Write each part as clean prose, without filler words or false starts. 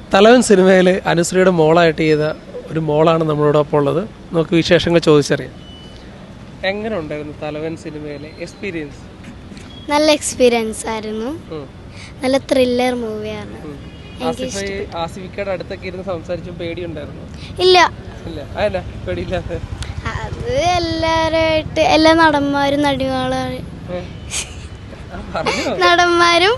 തലവൻ സിനിമയിൽ അനുശ്രീയുടെ മോളായിട്ട് ചെയ്ത ഒരു മോളാണ് നമ്മളോടൊപ്പം ഉള്ളത്. നമുക്ക് വിശേഷങ്ങൾ ചോദിച്ചറിയാം. എങ്ങനെ ഉണ്ടായിരുന്നു തലവൻ സിനിമയിലെ എക്സ്പീരിയൻസ്? നല്ല എക്സ്പീരിയൻസ് ആയിരുന്നു. നല്ല ത്രില്ലർ മൂവിയാണ്. ആസിഫിക്കയുടെ അടുത്തൊക്കെ ഇരുന്ന് സംസാരിച്ചു പേടിയുണ്ടായിരുന്നു? ഇല്ല ഇല്ല. അതെന്നാ പേടിയില്ലാത്ത? അത് എല്ലാവരുമായിട്ട് എല്ലാ നടന്മാരും നടന്മാരും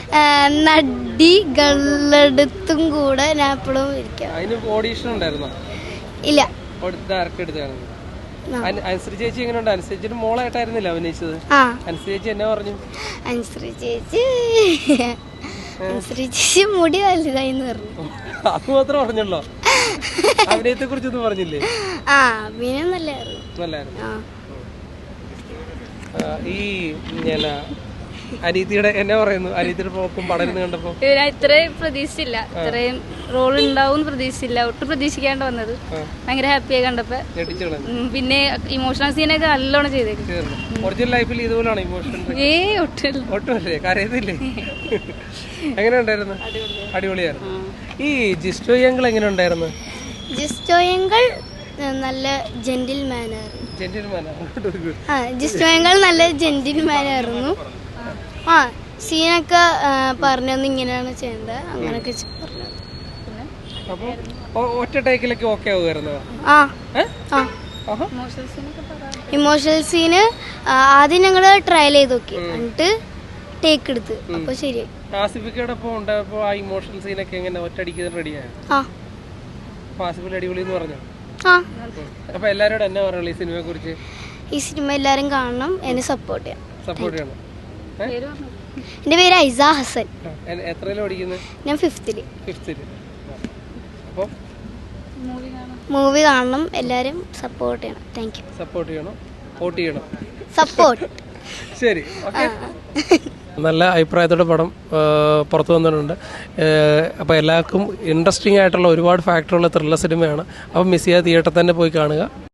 നടികളടുത്തും കൂടെ ഞാൻ എപ്പോഴും ഇരിക്കാം. ഓഡീഷൻ ഉണ്ടായിരുന്നോ? ഇല്ല. ഡയറക്റ്റ് എടുത്താണ്. അനുശ്രീ ചേച്ചി എങ്ങനെയുണ്ട്? അനുശ്രീ ചേച്ചിയുടെ മോളായിട്ടായിരുന്നില്ല അഭിനയിച്ചത്? അനുശ്രീ ചേച്ചി എന്നാ പറഞ്ഞു? അനുശ്രീ ചേച്ചി മുടി വലുതായിന്ന് പറഞ്ഞു. അത് മാത്രം പറഞ്ഞല്ലോ, അഭിനയത്തെ കുറിച്ചൊന്നും പറഞ്ഞില്ലേ? അഭിനയം നല്ലായിരുന്നു. ഈ അനീതിയുടെ എന്നാ പറയുന്നു? അനീതിയുടെ പോക്കും പടരുന്ന് കണ്ടപ്പോ ഇത്രയും പ്രതീക്ഷിച്ചില്ല, ഇത്രയും റോൾ ഉണ്ടാവും പ്രതീക്ഷിച്ചില്ല, ഒട്ടും പ്രതീക്ഷിക്കാണ്ട് വന്നത്. ഭയങ്കര ഹാപ്പിയായി കണ്ടപ്പോ. പിന്നെ ഇമോഷണൽ സീനൊക്കെ നല്ലോണം ചെയ്തേക്കും. ഒറിജിനൽ ലൈഫിൽ ഇതുപോലാണ് ഇമോഷൻ? ഒട്ടുമല്ലേ? കരയുന്നില്ലേ? എങ്ങനെ ഉണ്ടായിരുന്നു? അടിപൊളിയായിരുന്നു. ഈ ജിസ്റ്റോ യങ്കൾ എങ്ങനെ ഉണ്ടായിരുന്നു? ജിസ്റ്റോ യങ്കൾ നല്ല ജെന്റിൽമാനായിരുന്നു. സീനൊക്കെ പറഞ്ഞൊന്നും ഇങ്ങനെയാണ് ചെയ്യേണ്ടത്, അങ്ങനൊക്കെ പറഞ്ഞത്. ഒറ്റ ടേക്കിലൊക്കെ ഓക്കെ ആവുമായിരുന്നു? ഇമോഷണൽ സീന് ആദ്യം ഞങ്ങള് ട്രയൽ ചെയ്ത് നോക്കി, എന്നിട്ട് ടേക്ക് എടുത്ത്. അപ്പൊ ശരിയായി. ആസിഫിക്കോടൊപ്പം ഉണ്ടായപ്പോ ആ ഇമോഷണൽ സീനൊക്കെ എങ്ങനെ ഒറ്റയടിക്ക് റെഡിയായോ? ആസിഫിൽ അടിപൊളി എന്ന് പറഞ്ഞു. അപ്പൊ എല്ലാരോടും എന്നാ പറയുള്ളൂ ഈ സിനിമയെ കുറിച്ച്? ഈ സിനിമ എല്ലാരും കാണണം, എന്നെ സപ്പോർട്ട് ചെയ്യണം. എന്റെ പേര് ഐസ ഹസൻ. എത്രയിലാ പഠിക്കുന്നത്? ഞാൻ ഫിഫ്തില്. അപ്പൊ മൂവി കാണണം, എല്ലാരും സപ്പോർട്ട് ചെയ്യണം. Thank you. സപ്പോർട്ട് ചെയ്യണം, വോട്ട് ചെയ്യണം. സപ്പോർട്ട്. ശരി, ഓക്കെ. നല്ല അഭിപ്രായത്തോടെ പടം പുറത്തു വന്നിട്ടുണ്ട്. അപ്പോൾ എല്ലാവർക്കും ഇൻട്രസ്റ്റിംഗ് ആയിട്ടുള്ള ഒരുപാട് ഫാക്ടറുള്ള ത്രില്ലർ സിനിമയാണ്. അപ്പോൾ മിസ് ചെയ്യാതെ തിയേറ്ററിൽ തന്നെ പോയി കാണുക.